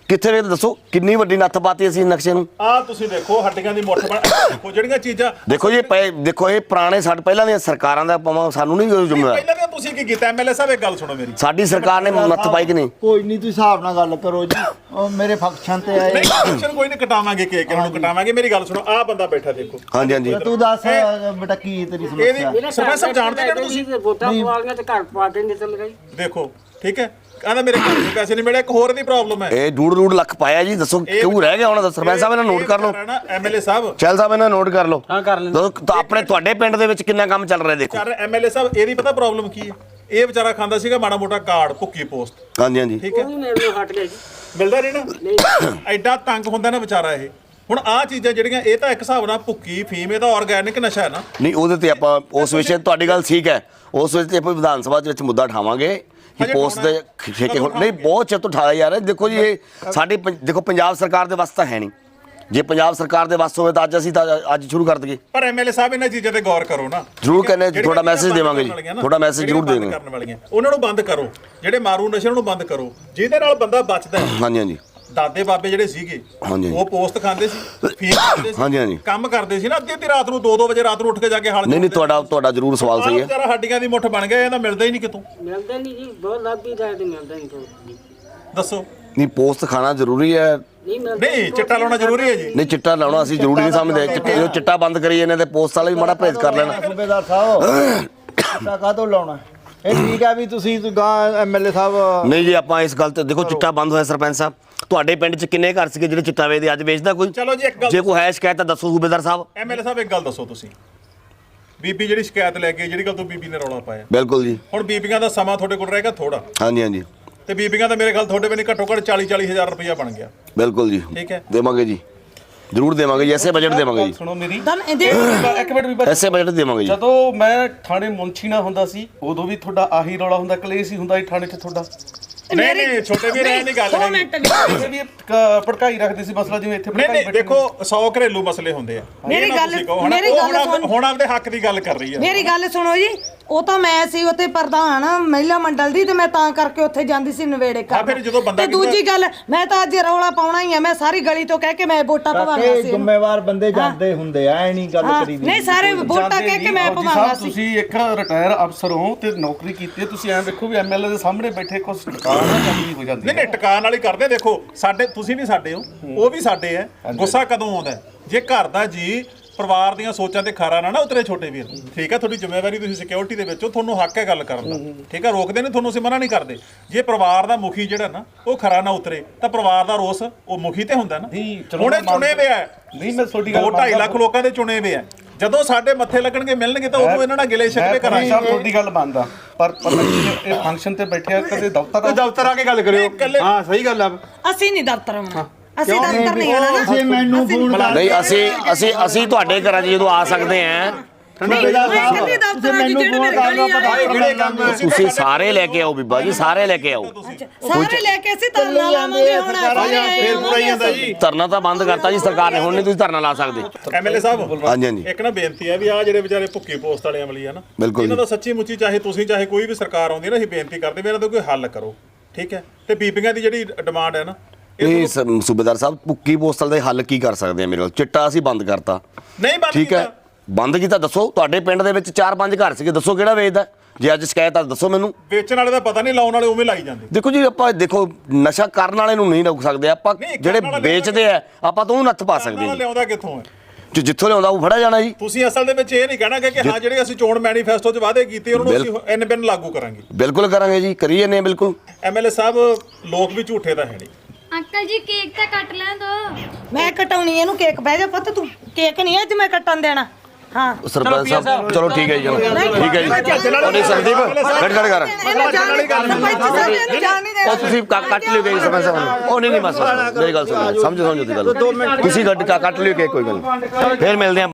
Speaker 1: ਕਿੱਥੇ ਵੇ ਦੱਸੋ ਕਿੰਨੀ ਵੱਡੀ ਨੱਥ ਪਾਤੀ ਅਸੀਂ ਨਕਸ਼ੇ ਨੂੰ।
Speaker 3: ਆ ਤੁਸੀਂ ਦੇਖੋ ਹੱਡੀਆਂ ਦੀ ਮੁੱਠ ਬਣ ਦੇਖੋ ਜਿਹੜੀਆਂ ਚੀਜ਼ਾਂ
Speaker 1: ਦੇਖੋ ਜੀ ਪਏ ਦੇਖੋ ਇਹ ਪੁਰਾਣੇ ਸਾਡੇ ਪਹਿਲਾਂ ਦੀਆਂ ਸਰਕਾਰਾਂ ਦਾ ਪਾਵਾਂ ਸਾਨੂੰ ਨਹੀਂ ਕੋਈ ਜ਼ਿੰਮੇਵਾਰ।
Speaker 3: ਪਹਿਲਾਂ ਵੀ ਤੁਸੀਂ ਕੀ ਕੀਤਾ ਐਮਐਲਏ ਸਾਹਿਬ ਇੱਕ ਗੱਲ ਸੁਣੋ ਮੇਰੀ।
Speaker 1: ਸਾਡੀ ਸਰਕਾਰ ਨੇ ਨੱਥ ਪਾਈ ਕਿ ਨਹੀਂ?
Speaker 6: ਕੋਈ ਨਹੀਂ ਤੁਸੀਂ ਹਿਸਾਬ ਨਾਲ ਗੱਲ ਕਰੋ ਜੀ ਉਹ ਮੇਰੇ ਫੰਕਸ਼ਨ ਤੇ ਆਏ
Speaker 3: ਨਹੀਂ ਫੰਕਸ਼ਨ ਕੋਈ ਨਹੀਂ ਕਟਾਵਾਂਗੇ ਕੇਕ ਇਹਨਾਂ ਨੂੰ ਕਟਾਵਾਂਗੇ। ਮੇਰੀ ਗੱਲ ਸੁਣੋ ਆ ਬੰਦਾ ਬੈਠਾ ਦੇਖੋ।
Speaker 1: ਹਾਂਜੀ ਹਾਂਜੀ
Speaker 6: ਤੂੰ ਦੱਸ ਬੇਟਾ ਕੀ ਤੇਰੀ ਸਮੱਸਿਆ
Speaker 3: ਇਹਦੀ ਸਰਪੰਚ ਸਾਹਿਬ ਜਾਣਦੇ ਨੇ ਤੁਸੀਂ
Speaker 8: ਵੋਟਾਂ ਪਵਾਲੀਆਂ ਤੇ ਘਰ ਪਾ ਕੇ ਨਿਕਲ ਗਈ।
Speaker 3: ਦੇਖੋ ਠੀਕ ਹੈ ਕਹਿੰਦਾ ਮੇਰੇ ਘਰ ਦੇ ਪੈਸੇ ਨਹੀਂ ਮਿਲੇ। ਇੱਕ ਹੋਰ ਦੀ ਪ੍ਰੋਬਲਮ ਹੈ
Speaker 1: ਇਹ ਡੂੜ ਡੂੜ ਲੱਖ ਪਾਇਆ ਜੀ ਦੱਸੋ ਕਿਉਂ ਰਹਿ ਗਿਆ ਹੁਣ? ਸਰਪੰਚ ਸਾਹਿਬ ਇਹਨਾਂ ਨੋਟ ਕਰ ਲਓ।
Speaker 3: ਐਮਐਲਏ ਸਾਹਿਬ
Speaker 1: ਚੈਲ ਸਾਹਿਬ ਇਹਨਾਂ ਨੋਟ ਕਰ ਲਓ।
Speaker 8: ਹਾਂ ਕਰ ਲੈਂਦੇ।
Speaker 1: ਦੱਸੋ ਤਾਂ ਆਪਣੇ ਤੁਹਾਡੇ ਪਿੰਡ ਦੇ ਵਿੱਚ ਕਿੰਨਾ ਕੰਮ ਚੱਲ ਰਿਹਾ ਦੇਖੋ।
Speaker 3: ਕਰ ਐਮਐਲਏ ਸਾਹਿਬ ਇਹਦੀ ਪਤਾ ਪ੍ਰੋਬਲਮ ਕੀ ਹੈ? ਇਹ ਵਿਚਾਰਾ ਖਾਂਦਾ ਸੀਗਾ ਮਾੜਾ ਮੋਟਾ ਕਾਰਡ ਭੁੱਕੀ ਪੋਸਟ।
Speaker 1: ਹਾਂਜੀ ਹਾਂਜੀ
Speaker 3: ਠੀਕ ਹੈ
Speaker 8: ਉਹ ਵੀ ਮੇਰੇ ਨੂੰ ਹਟ ਗਿਆ ਜੀ।
Speaker 3: ਮਿਲਦਾ ਨਹੀਂ ਨਾ ਐਡਾ ਤੰਗ ਹੁੰਦਾ ਨਾ ਵਿਚਾਰਾ ਇਹ। ਹੁਣ ਆਹ ਚੀਜ਼ਾਂ ਜਿਹੜੀਆਂ ਇਹ ਤਾਂ ਇੱਕ ਹਿਸਾਬ ਨਾਲ ਭੁੱਕੀ ਫੀਮ ਇਹ ਤਾਂ ਆਰਗੈਨਿਕ ਨਸ਼ਾ ਹੈ ਨਾ।
Speaker 1: ਨਹੀਂ ਉਹਦੇ ਤੇ ਆਪਾਂ ਉਸ ਵਿਸ਼ੇ ਤੁਹਾਡੀ ਗੱਲ ਠੀਕ ਹੈ। ਉਸ ਵਿੱਚ ਤੇ ਆਪਾਂ ਵਿਧਾਨ ਸਭਾ ਦੇ ਵਿੱਚ ਮੁੱਦਾ ਉਠਾਵਾਂਗੇ ਕਿ ਪੋਸਟ ਦੇ ਠੇਕੇ ਹੁਣ ਨਹੀਂ ਬਹੁਤ ਚਿਰ ਤੋਂ ਉਠਾਇਆ ਜਾ ਰਿਹਾ। ਦੇਖੋ ਜੀ ਇਹ ਸਾਡੀ ਪੰ- ਦੇਖੋ ਪੰਜਾਬ ਸਰਕਾਰ ਦੇ ਵੱਸ ਤਾਂ ਹੈ ਨਹੀਂ। ਜੇ ਪੰਜਾਬ ਸਰਕਾਰ ਦੇ ਵੱਸ ਹੋਵੇ ਤਾਂ ਅੱਜ ਅਸੀਂ ਤਾਂ ਅੱਜ ਸ਼ੁਰੂ ਕਰ ਦਈਏ।
Speaker 3: ਪਰ ਐਮਐਲਏ ਸਾਹਿਬ ਇਹਨਾਂ ਚੀਜ਼ਾਂ ਤੇ ਗੌਰ ਕਰੋ ਨਾ।
Speaker 1: ਜ਼ਰੂਰ ਕਹਿੰਦੇ
Speaker 3: ਜਿਹੜੀਆਂ
Speaker 1: ਤੁਹਾਡਾ
Speaker 3: ਚੀਜ਼ਾਂ
Speaker 1: ਮੈਸੇਜ
Speaker 3: ਬੰਦ
Speaker 1: ਦੇਵਾਂਗੇ ਜੀ
Speaker 3: ਕਰਨ ਵਾਲੀਆਂ ਨਾ,
Speaker 1: ਤੁਹਾਡਾ ਮੈਸੇਜ ਜ਼ਰੂਰ
Speaker 3: ਜਿਹੜੀਆਂ
Speaker 1: ਦੇਵਾਂਗੇ।
Speaker 3: ਬੰਦ ਕਰਨ ਵਾਲੀਆਂ ਉਹਨਾਂ ਨੂੰ ਬੰਦ ਕਰੋ। ਜਿਹੜੇ ਮਾਰੂ ਨਸ਼ੇ ਨੂੰ ਬੰਦ ਕਰੋ ਜਿਹਦੇ ਨਾਲ ਬੰਦਾ ਬਚਦਾ ਹੈ।
Speaker 1: ਹਾਂਜੀ ਹਾਂਜੀ
Speaker 3: ਦਾਦੇ ਬਾਬੇ ਜਿਹੜੇ ਸੀਗੇ
Speaker 1: ਹਾਂਜੀ।
Speaker 3: ਉਹ ਪੋਸਟ ਖਾਂਦੇ ਸੀ ਫੀਮ ਖਾਂਦੇ ਸੀ
Speaker 1: ਹਾਂਜੀ ਹਾਂਜੀ
Speaker 3: ਕੰਮ ਕਰਦੇ ਸੀ ਨਾ ਅੱਧੀ ਅੱਧੀ ਰਾਤ ਨੂੰ ਦੋ ਦੋ ਵਜੇ ਰਾਤ ਨੂੰ ਉੱਠ ਕੇ ਜਾ ਕੇ ਹਾਲ
Speaker 1: ਨਹੀਂ ਨਹੀਂ ਤੁਹਾਡਾ ਤੁਹਾਡਾ ਜ਼ਰੂਰ ਸਵਾਲ ਸਹੀ ਹੈ।
Speaker 3: ਵਿਚਾਰਾ ਹੱਡੀਆਂ ਦੀ ਮੁੱਠ ਬਣ ਗਿਆ ਇਹਦਾ ਮਿਲਦਾ ਹੀ ਨਹੀਂ ਕਿਤੋਂ।
Speaker 8: ਮਿਲਦਾ ਨਹੀਂ ਜੀ ਬਹੁਤ ਲੱਭੀ ਦਾ ਤੇ ਮਿਲਦਾ ਨਹੀਂ ਕੋਈ।
Speaker 3: ਦੱਸੋ
Speaker 1: ਨਹੀਂ ਪੋਸਟ ਖਾਣਾ ਜ਼ਰੂਰੀ ਹੈ।
Speaker 8: ਨਹੀਂ ਮਿਲਦਾ।
Speaker 3: ਨਹੀਂ ਚਿੱਟਾ ਲਾਉਣਾ ਜ਼ਰੂਰੀ ਹੈ ਜੀ।
Speaker 1: ਨਹੀਂ ਚਿੱਟਾ ਲਾਉਣਾ ਅਸੀਂ ਜ਼ਰੂਰੀ ਨਹੀਂ ਸਮਝਦੇ। ਚਿੱਟੇ ਜੋ ਚਿੱਟਾ ਬੰਦ ਕਰੀ ਜਾਂਦੇ ਤੇ ਪੋਸਟ ਵਾਲੇ ਵੀ ਮਾੜਾ ਪਰਹੇਜ਼ ਕਰ ਲੈਣਾ।
Speaker 6: ਸੂਬੇਦਾਰ ਸਾਹਿਬ ਚਿੱਟਾ ਕਾਹਤੋਂ ਲਾਉਣਾ? ਇਹ ਠੀਕ ਹੈ ਵੀ ਤੁਸੀਂ ਗਾਂ ਐਮਐਲਏ ਸਾਹਿਬ
Speaker 1: ਨਹੀਂ ਜੀ ਆਪਾਂ ਇਸ ਗੱਲ ਤੇ ਦੇਖੋ ਚਿੱਟਾ ਬੰਦ ਹੋਇਆ ਸਰਪੰਚ ਸਾਹਿਬ। ਤੁਹਾਡੇ ਪਿੰਡ 'ਚ ਕਿੰਨੇ ਘਰ ਸੀਗੇ ਜਿਹੜੇ ਚਿੱਟਾ ਵੇਚਦੇ ਅੱਜ ਵੇਚਦਾ ਕੋਈ?
Speaker 3: ਚਲੋ ਜੀ ਇੱਕ ਗੱਲ
Speaker 1: ਜੇ ਕੋਈ ਹੈ ਸ਼ਿਕਾਇਤ ਤਾਂ ਦੱਸੋ ਸੂਬੇਦਾਰ ਸਾਹਿਬ।
Speaker 3: ਐਮਐਲਏ ਸਾਹਿਬ ਇੱਕ ਗੱਲ ਦੱਸੋ ਤੁਸੀਂ ਬੀਬੀ ਜਿਹੜੀ ਸ਼ਿਕਾਇਤ ਲੈ ਕੇ ਜਿਹੜੀ ਗੱਲ ਤੋਂ ਬੀਬੀ ਨੇ ਰੌਲਾ ਪਾਇਆ
Speaker 1: ਬਿਲਕੁਲ ਜੀ
Speaker 3: ਹੁਣ ਬੀਬੀਆਂ ਦਾ ਸਮਾਂ ਤੁਹਾਡੇ ਕੋਲ ਰਹੇਗਾ ਥੋੜਾ
Speaker 1: ਹਾਂਜੀ ਹਾਂਜੀ
Speaker 3: ਤੇ ਬੀਬੀਆਂ ਦਾ ਮੇਰੇ ਖਿਆਲ ਤੁਹਾਡੇ ਵੀ ਨਹੀਂ ਘੱਟੋ ਘੱਟ ਚਾਲੀ ਚਾਲੀ ਹਜ਼ਾਰ ਰੁਪਇਆ ਬਣ ਗਿਆ।
Speaker 1: ਬਿਲਕੁਲ ਜੀ
Speaker 3: ਠੀਕ ਹੈ
Speaker 1: ਦੇਵਾਂਗੇ ਜੀ ਜ਼ਰੂਰ ਦੇਵਾਂਗੇ ਜੀ ਐਸੇ ਬਜਟ ਦੇਵਾਂਗੇ ਜੀ
Speaker 9: ਸੁਣੋ ਮੇਰੀ
Speaker 2: ਦਮ ਇਹਦੇ
Speaker 9: ਇੱਕ ਮਿੰਟ ਵੀ ਬਸ।
Speaker 1: ਐਸੇ ਬਜਟ ਦੇਵਾਂਗੇ ਜੀ।
Speaker 9: ਜਦੋਂ ਮੈਂ ਥਾਣੇ ਮੁੰਸ਼ੀ ਨਾ ਹੁੰਦਾ ਸੀ ਉਦੋਂ ਵੀ ਤੁਹਾਡਾ ਆਹੀ ਰੌਲਾ ਹੁੰਦਾ ਕਲੇਸ਼ ਹੀ ਹੁੰਦਾ ਸੀ ਥਾਣੇ 'ਚ ਤੁਹਾਡਾ।
Speaker 3: ਨਹੀਂ ਨਹੀਂ ਛੋਟੇ ਵੀਰ ਇਹ ਨਹੀਂ ਗੱਲ
Speaker 2: ਦੋ
Speaker 3: ਹੈਗੀ।
Speaker 2: ਮਿੰਟ
Speaker 9: ਇੱਥੇ ਵੀ ਇਹ ਕ- ਭੜਕਾਈ ਰੱਖਦੇ ਸੀ ਮਸਲਾ ਜਿਵੇਂ ਇੱਥੇ
Speaker 3: ਨਹੀਂ
Speaker 9: ਭੜਕਾਈ
Speaker 3: ਨਹੀਂ ਦੇਖੋ ਸੌ ਘਰੇਲੂ ਮਸਲੇ ਹੁੰਦੇ ਆ।
Speaker 2: ਮੇਰੀ
Speaker 3: ਇਹ ਨਾ
Speaker 2: ਗੱਲ-
Speaker 3: ਤੁਸੀਂ ਕਹੋ, ਹੁਣ
Speaker 2: ਮੇਰੀ
Speaker 3: ਉਹ
Speaker 2: ਗੱਲ
Speaker 3: ਹੁਣ-
Speaker 2: ਸੁਣ।
Speaker 3: ਹੁਣ ਆਪਦੇ ਹੱਕ ਦੀ ਗੱਲ ਕਰ ਰਹੀ ਹੈ।
Speaker 2: ਮੇਰੀ ਗੱਲ ਸੁਣੋ ਜੀ ਉਹ ਤਾਂ ਮੈਂ ਸੀ ਉੱਥੇ ਪ੍ਰਧਾਨ ਮਹਿਲਾ ਮੰਡਲ ਦੀ ਤੇ ਮੈਂ ਤਾਂ ਕਰਕੇ ਉੱਥੇ ਜਾਂਦੀ ਸੀ ਨਵੇੜੇ
Speaker 3: ਹਾਂ,
Speaker 2: ਕਰ
Speaker 3: ਫਿਰ ਜਦੋਂ ਬੰਦਾ
Speaker 2: ਤੇ ਦੂਜੀ ਗੱਲ ਮੈਂ ਤਾਂ ਅੱਜ ਰੌਲਾ ਪਾਉਣਾ ਹੀ ਆ। ਮੈਂ ਸਾਰੀ ਗਲੀ ਤੋਂ ਕਹਿ ਕੇ ਮੈਂ ਵੋਟਾਂ ਪਵਾਉਣਾ
Speaker 6: ਕਾਕੇ
Speaker 2: ਸੀ
Speaker 6: ਜ਼ਿੰਮੇਵਾਰ ਬੰਦੇ ਜਾਂਦੇ ਹੁੰਦੇ ਆ ਐ ਨਹੀਂ ਗੱਲ
Speaker 2: ਹਾਂ,
Speaker 6: ਕਰੀ ਦੀ।
Speaker 2: ਨਹੀਂ ਸਾਰੇ ਵੋਟਾਂ ਕਹਿ ਕੇ ਮੈਂ
Speaker 9: ਫੌਜੀ
Speaker 2: ਪਵਾਉਣਾ
Speaker 9: ਸਾਹਿਬ
Speaker 2: ਸੀ।
Speaker 9: ਤੁਸੀਂ ਇੱਕ ਰਿਟਾਇਰ ਅਫਸਰ ਹੋ ਤੇ ਨੌਕਰੀ ਕੀਤੀ ਹੈ ਤੁਸੀਂ ਐਂ ਵੇਖੋ ਵੀ ਐਮਐਲਏ ਦੇ ਸਾਹਮਣੇ ਬੈਠੇ ਕੁਝ ਦੁਕਾਨ ਨਾ ਚੱਲੀ ਹੋ ਜਾਂਦੀ
Speaker 3: ਨਹੀਂ ਨਹੀਂ ਟਿਕਾਣ ਵਾਲੀ ਕਰਦੇ ਦੇਖੋ ਸਾਡੇ ਤੁਸੀਂ ਵੀ ਸਾਡੇ ਹੋ ਉਹ ਵੀ ਸਾਡੇ ਆ। ਗੁੱਸਾ ਕਦੋਂ ਆਉਂਦਾ ਹੈ? ਜੇ ਘਰ ਦਾ ਜੀ ਪਰਿਵਾਰ ਦੀਆਂ ਸੋਚਾਂ ਤੇ ਖਾਰਾ ਨਾ ਨਾ ਉਤਰੇ ਛੋਟੇ ਵੀਰ। ਠੀਕ ਹੈ ਤੁਹਾਡੀ ਜ਼ਿੰਮੇਵਾਰੀ ਤੁਸੀਂ ਸਿਕਿਉਰਿਟੀ ਦੇ ਵਿੱਚ ਹੋ ਤੁਹਾਨੂੰ ਹੱਕ ਹੈ ਗੱਲ ਕਰਨ ਦਾ। ਠੀਕ ਹੈ ਰੋਕਦੇ ਨੇ ਤੁਹਾਨੂੰ ਅਸੀਂ ਮਨਾ ਨਹੀਂ ਕਰਦੇ। ਜੇ ਪਰਿਵਾਰ ਦਾ ਮੁਖੀ ਜਿਹੜਾ ਨਾ ਉਹ ਖਰਾ ਨਾ ਉਤਰੇ ਤਾਂ ਪਰਿਵਾਰ ਦਾ ਰੋਸ ਉਹ ਮੁਖੀ ਤੇ ਹੁੰਦਾ ਨਾ।
Speaker 9: ਨਹੀਂ, ਚਲੋ
Speaker 3: ਹੁਣ ਇਹ
Speaker 9: ਮੈਂ
Speaker 3: ਚੁਣੇ ਵੇ ਆ
Speaker 9: ਨਹੀਂ ਮੈਂ ਤੁਹਾਡੀ ਗੱਲ
Speaker 3: ਦੋ ਢਾਈ ਲੱਖ ਲੋਕਾਂ ਦੇ ਚੁਣੇ ਵੇ ਆ। ਜਦੋਂ ਸਾਡੇ ਮੱਥੇ ਲੱਗਣਗੇ ਮਿਲਣਗੇ ਤਾਂ ਉਦੋਂ ਇਹਨਾਂ ਨਾਲ ਗਿਲੇ ਸ਼ਿਕਵੇ ਕਰਾਂਗੇ।
Speaker 9: ਸਾਹਿਬ ਤੁਹਾਡੀ ਗੱਲ ਮੰਨਦਾ ਪਰ ਪਤਾ ਨਹੀਂ ਇਹ ਫੰਕਸ਼ਨ ਤੇ ਬੈਠਿਆ ਕਦੇ ਦਫ਼ਤਰ
Speaker 7: ਦਫ਼ਤਰ ਆ ਕੇ ਗੱਲ ਕਰਿਓ। ਹਾਂ ਸਹੀ ਗੱਲ ਆ।
Speaker 2: ਅਸੀਂ ਨਹੀਂ ਦਫ਼ਤਰ ਆਉਣਾ। ਅਸੀਂ ਦਫ਼ਤਰ ਨਹੀਂ ਆਉਣਾ
Speaker 6: ਜੇ
Speaker 2: ਨਾ।
Speaker 6: ਮੈਨੂੰ ਫੋਨ ਕਰ
Speaker 1: ਨਹੀਂ ਅਸੀਂ ਅਸੀਂ ਅਸੀਂ ਤੁਹਾਡੇ ਘਰਾਂ 'ਚ ਜਦੋਂ ਆ ਸਕਦੇ ਆਂ
Speaker 6: ਸੂਬੇਦਾਰ ਸਾਹਿਬ ਜੇ ਮੈਨੂੰ ਫੋਨ ਕਰ ਲਓ ਪਤਾ ਕਿਹੜੇ ਕੰਮ ਹੈ।
Speaker 1: ਤੁਸੀਂ ਸਾਰੇ ਲੈ ਕੇ ਆਓ ਬੀਬਾ ਜੀ ਸਾਰੇ ਲੈ ਕੇ ਆਓ।
Speaker 2: ਸਾਰੇ ਲੈ ਕੇ ਅਸੀਂ ਧਰਨਾ ਲਾਵਾਂਗੇ ਹੁਣ
Speaker 3: ਫੇਰ ਪੂਰਾ ਹੀ ਜਾਂਦਾ ਜੀ।
Speaker 1: ਧਰਨਾ ਤਾਂ ਬੰਦ ਕਰਤਾ ਜੀ ਸਰਕਾਰ ਨੇ ਹੁਣ ਨਹੀਂ ਤੁਸੀਂ ਧਰਨਾ ਲਾ ਸਕਦੇ।
Speaker 3: ਐਮਐਲਏ ਸਾਹਿਬ
Speaker 1: ਹਾਂਜੀ ਹਾਂਜੀ
Speaker 3: ਇੱਕ ਨਾ ਬੇਨਤੀ ਹੈ ਵੀ ਆ ਜਿਹੜੇ ਵਿਚਾਰੇ ਭੁੱਕੀ ਪੋਸਟ ਵਾਲੇ ਅਮਲੀ ਆ ਨਾ
Speaker 1: ਬਿਲਕੁਲ
Speaker 3: ਇਹਨਾਂ ਦਾ ਸੱਚੀ ਮੁੱਚੀ ਚਾਹੇ ਤੁਸੀਂ ਚਾਹੇ ਕੋਈ ਵੀ ਸਰਕਾਰ ਆਉਂਦੀ ਨਾ ਅਸੀਂ ਬੇਨਤੀ ਕਰਦੇ ਵੀ ਇਹਨਾਂ ਦਾ ਕੋਈ ਹੱਲ ਕਰੋ। ਠੀਕ ਹੈ ਤੇ ਬੀਬੀਆਂ ਦੀ ਜਿਹੜੀ ਡਿਮਾਂਡ ਹੈ ਨਾ
Speaker 1: ਇਹ ਸ- ਸੂਬੇਦਾਰ ਸਾਹਿਬ ਭੁੱਕੀ ਪੋਸਟਲ ਦੇ ਹੱਲ ਕੀ ਕਰ ਸਕਦੇ ਆ ਮੇਰੇ ਕੋਲ? ਚਿੱਟਾ ਅਸੀਂ ਬੰਦ ਕਰਤਾ
Speaker 3: ਨਹੀਂ ਬੰਦ
Speaker 1: ਠੀਕ ਹੈ
Speaker 3: ਕੀਤਾ।
Speaker 1: ਬੰਦ ਕੀਤਾ ਦੱਸੋ ਤੁਹਾਡੇ ਪਿੰਡ ਦੇ ਵਿੱਚ ਚਾਰ ਪੰਜ ਘਰ ਸੀਗੇ ਦੱਸੋ ਕਿਹੜਾ ਵੇਚਦਾ? ਜੇ ਅੱਜ ਸ਼ਿਕਾਇਤ ਆ ਦੱਸੋ ਮੈਨੂੰ।
Speaker 3: ਵੇਚਣ ਵਾਲੇ ਦਾ ਪਤਾ ਨਹੀਂ ਲਾਉਣ ਵਾਲੇ ਉਵੇਂ ਲਾਈ ਜਾਂਦੇ।
Speaker 1: ਦੇਖੋ ਜੀ ਆਪਾਂ ਦੇਖੋ ਨਸ਼ਾ ਕਰਨ ਵਾਲੇ ਨੂੰ ਨਹੀਂ ਰੋਕ ਸਕਦੇ ਆਪਾਂ
Speaker 3: ਨਹੀਂ, ਕਰਨ
Speaker 1: ਜਿਹੜੇ
Speaker 3: ਵਾਲਾ
Speaker 1: ਵੇਚਦੇ ਆ ਆਪਾਂ ਤਾਂ ਉਹਨੂੰ ਨੱਥ ਪਾ ਸਕਦੇ
Speaker 3: ਨਾਲ
Speaker 1: ਜੀ।
Speaker 3: ਲਿਆਉਂਦਾ ਕਿੱਥੋਂ ਹੈ?
Speaker 1: ਜੋ ਜਿੱਥੋਂ ਲਿਆਉਂਦਾ ਉਹ ਫੜਿਆ ਜਾਣਾ ਜੀ।
Speaker 3: ਤੁਸੀਂ ਅਸਲ ਦੇ ਵਿੱਚ ਇਹ ਨਹੀਂ ਕਹਿਣਾ ਕਿ ਹਾਂ ਜਿਹੜੇ ਅਸੀਂ ਚੋਣ ਮੈਨੀਫੈਸਟੋ 'ਚ ਵਾਅਦੇ ਕੀਤੇ ਉਹਨਾਂ ਨੂੰ ਅਸੀਂ ਐਨ ਬਿਨ ਲਾਗੂ ਕਰਾਂਗੇ।
Speaker 1: ਬਿਲਕੁਲ ਕਰਾਂਗੇ ਜੀ ਕਰੀ ਜਾਂਦੇ ਹਾਂ ਬਿਲਕੁਲ।
Speaker 3: ਐਮਐਲਏ ਸਾਹਿਬ ਲੋਕ ਵੀ ਝੂਠੇ ਤਾਂ ਹੈ ਨਹੀਂ।
Speaker 4: ਅੰਕਲ ਜੀ ਕੇਕ ਤਾਂ ਕੱਟ ਲੈਣ ਦੋ।
Speaker 2: ਮੈਂ ਕਟਾਉਣੀ ਇਹਨੂੰ ਕੇਕ ਬਹਿ ਜਾ ਪੁੱਤ ਤੂੰ ਕੇਕ ਨਹੀਂ ਅੱਜ ਮੈਂ ਕੱਟਣ ਦੇਣਾ। ਹਾਂ
Speaker 1: ਸਰਪੰਚ ਸਾਹਿਬ ਚਲੋ ਠੀਕ ਹੈ ਜੀ ਚਲੋ ਠੀਕ ਹੈ ਜੀ। ਉਹਨੇ ਸੰਦੀਪ ਗੱਡ ਗੱਡ ਕਰ
Speaker 2: ਇਹਨੂੰ ਜਾਣ ਨਹੀਂ ਦੇਣਾ ਸਰਪੰਚ ਸਾਹਿਬ ਇਹਨੂੰ ਜਾਣ ਨਹੀਂ ਦੇਣਾ।
Speaker 1: ਉਹ ਤੁਸੀਂ ਕੱ- ਕੱਟ ਲਿਓ ਗਈ ਸਰਪੰਚ ਸਾਹਿਬ ਨੂੰ। ਉਹ ਨਹੀਂ ਨਹੀਂ ਬਸ ਮੇਰੀ ਗੱਲ ਸੁਣੋ ਸਮਝੋ ਸਮਝੋ ਦੀ ਗੱਲ ਤੁਸੀਂ ਗੱਡ ਕੱਟ ਲਿਓ ਕਿ ਕੋਈ ਗੱਲ ਨਹੀਂ। ਫਿਰ ਮਿਲਦੇ ਹਾਂ।